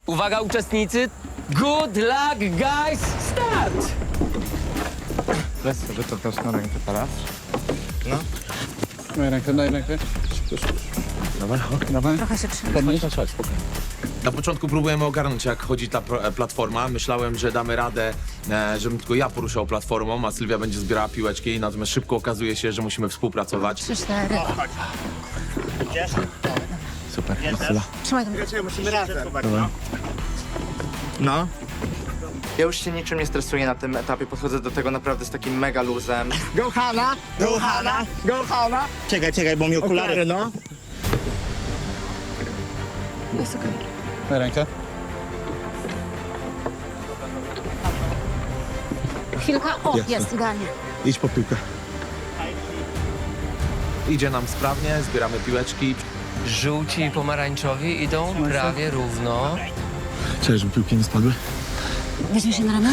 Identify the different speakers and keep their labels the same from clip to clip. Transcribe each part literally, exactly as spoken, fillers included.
Speaker 1: Uwaga uczestnicy, good luck guys, start!
Speaker 2: Weź sobie to też na rękę teraz.
Speaker 3: No.
Speaker 2: Daj rękę, daj rękę.
Speaker 3: Dawaj,
Speaker 2: Dawaj.
Speaker 4: Trochę się trzyma.
Speaker 2: Podnieś.
Speaker 3: Na początku próbujemy ogarnąć, jak chodzi ta pro- platforma. Myślałem, że damy radę, e, żebym tylko ja poruszał platformą, a Sylwia będzie zbierała piłeczki, natomiast szybko okazuje się, że musimy współpracować.
Speaker 4: Trzy, cztery.
Speaker 3: Super,
Speaker 4: Trzymaj tam.
Speaker 5: No. Ja już się niczym nie stresuję na tym etapie, podchodzę do tego naprawdę z takim mega luzem.
Speaker 6: Go Hanna! Go Hanna! Go Hanna! Czekaj, czekaj, bo mi okulary, no.
Speaker 4: Jest okej.
Speaker 2: Daj rękę.
Speaker 4: Chwilka. O, jest, idealnie.
Speaker 6: Idź po piłkę.
Speaker 3: Idzie nam sprawnie, zbieramy piłeczki.
Speaker 1: Żółci i pomarańczowi idą prawie równo.
Speaker 6: Cześć, żeby piłki nie spadły.
Speaker 4: Weźmie się na ramię?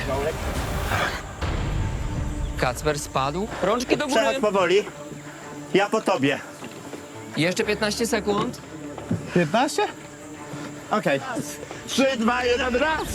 Speaker 1: Kacper spadł. Rączki do góry.
Speaker 6: Przechodź powoli. Ja po tobie.
Speaker 1: Jeszcze piętnaście sekund.
Speaker 2: piętnaście?
Speaker 6: Okej. Trzy, dwa, jeden, raz!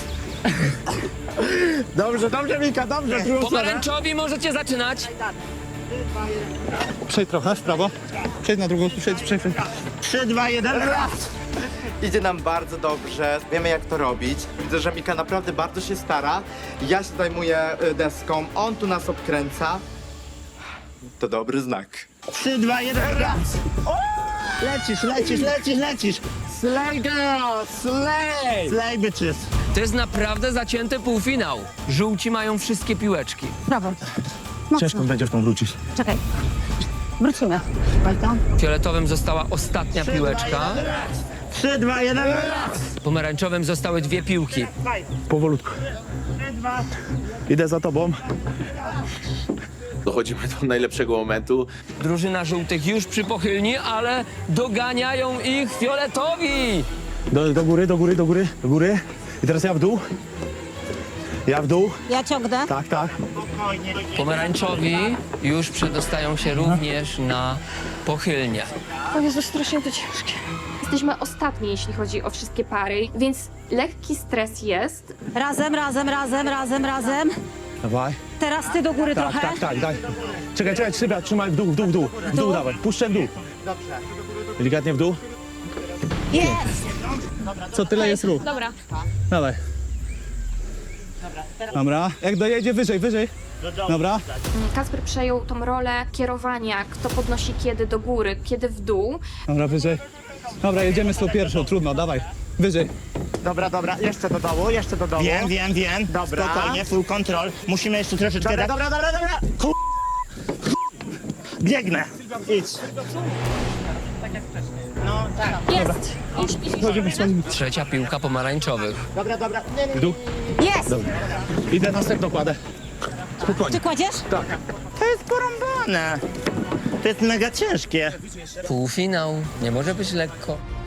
Speaker 6: Dobrze, dobrze, Mika, dobrze, drugą stronę.
Speaker 1: Pomarańczowi możecie zaczynać.
Speaker 2: Przejdź trochę w prawo. Przejdź na drugą, przejdź, przejdź.
Speaker 6: Trzy, dwa, jeden, raz!
Speaker 5: Idzie nam bardzo dobrze, wiemy jak to robić. Widzę, że Mika naprawdę bardzo się stara. Ja się zajmuję y, deską, on tu nas obkręca. To dobry znak.
Speaker 6: Trzy, dwa, jeden, raz! Lecisz, lecisz, lecisz, lecisz!
Speaker 1: Slay girl, slay!
Speaker 6: Slay bitches!
Speaker 1: To jest naprawdę zacięty półfinał. Żółci mają wszystkie piłeczki.
Speaker 4: Brawo. Mocno.
Speaker 6: Ciężko będzie w tą wrócić.
Speaker 4: Czekaj. Wrócimy. Walta.
Speaker 1: Fioletowym została ostatnia piłeczka.
Speaker 6: Trzy, dwa, jeden, raz!
Speaker 1: Pomarańczowym zostały dwie piłki.
Speaker 6: Powolutku. Idę za tobą.
Speaker 3: Dochodzimy do najlepszego momentu.
Speaker 1: Drużyna żółtych już przy pochylni, ale doganiają ich fioletowi.
Speaker 6: Do, do góry, do góry, do góry, do góry. I teraz ja w dół. Ja w dół.
Speaker 4: Ja ciągnę.
Speaker 6: Tak, tak.
Speaker 1: Pomarańczowi już przedostają się również na pochylnię.
Speaker 7: O Jezu, strasznie to ciężkie. Jesteśmy ostatni, jeśli chodzi o wszystkie pary, więc lekki stres jest.
Speaker 4: Razem, razem, razem, razem, razem.
Speaker 6: Dawaj.
Speaker 4: Teraz ty do góry
Speaker 6: Tak,
Speaker 4: trochę.
Speaker 6: tak, tak, daj. Czekaj, czekaj, trzymaj, trzymaj w dół, w dół, w dół. W dół dawaj, puszczę w dół. Dobrze. Delikatnie w dół.
Speaker 4: Jest!
Speaker 2: Co tyle jest ruch?
Speaker 7: Dobra.
Speaker 2: Dawaj. Dobra. Jak dojedzie wyżej, wyżej. Dobra.
Speaker 7: Kacper przejął tą rolę kierowania, kto podnosi kiedy do góry, kiedy w dół.
Speaker 2: Dobra, wyżej. Dobra, jedziemy z tą pierwszą, trudno, dawaj. Wyżej.
Speaker 6: Dobra, dobra, jeszcze do dołu, jeszcze do dołu. Wiem, wiem, wiem. Dobra. Spokojnie, full control. Musimy jeszcze troszeczkę... Dobra, dobra, dobra, dobra. Ku... Biegnę. Idź. No, tak.
Speaker 7: Jest! Idź, idź, idź.
Speaker 1: Trzecia piłka pomarańczowych.
Speaker 6: Dobra, dobra. Nie, nie.
Speaker 2: W dół.
Speaker 4: Jest!
Speaker 6: Idę następną kładę. Spokojnie.
Speaker 4: Ty kładziesz?
Speaker 6: To jest porąbane. To jest mega ciężkie.
Speaker 1: Półfinał. Nie może być lekko.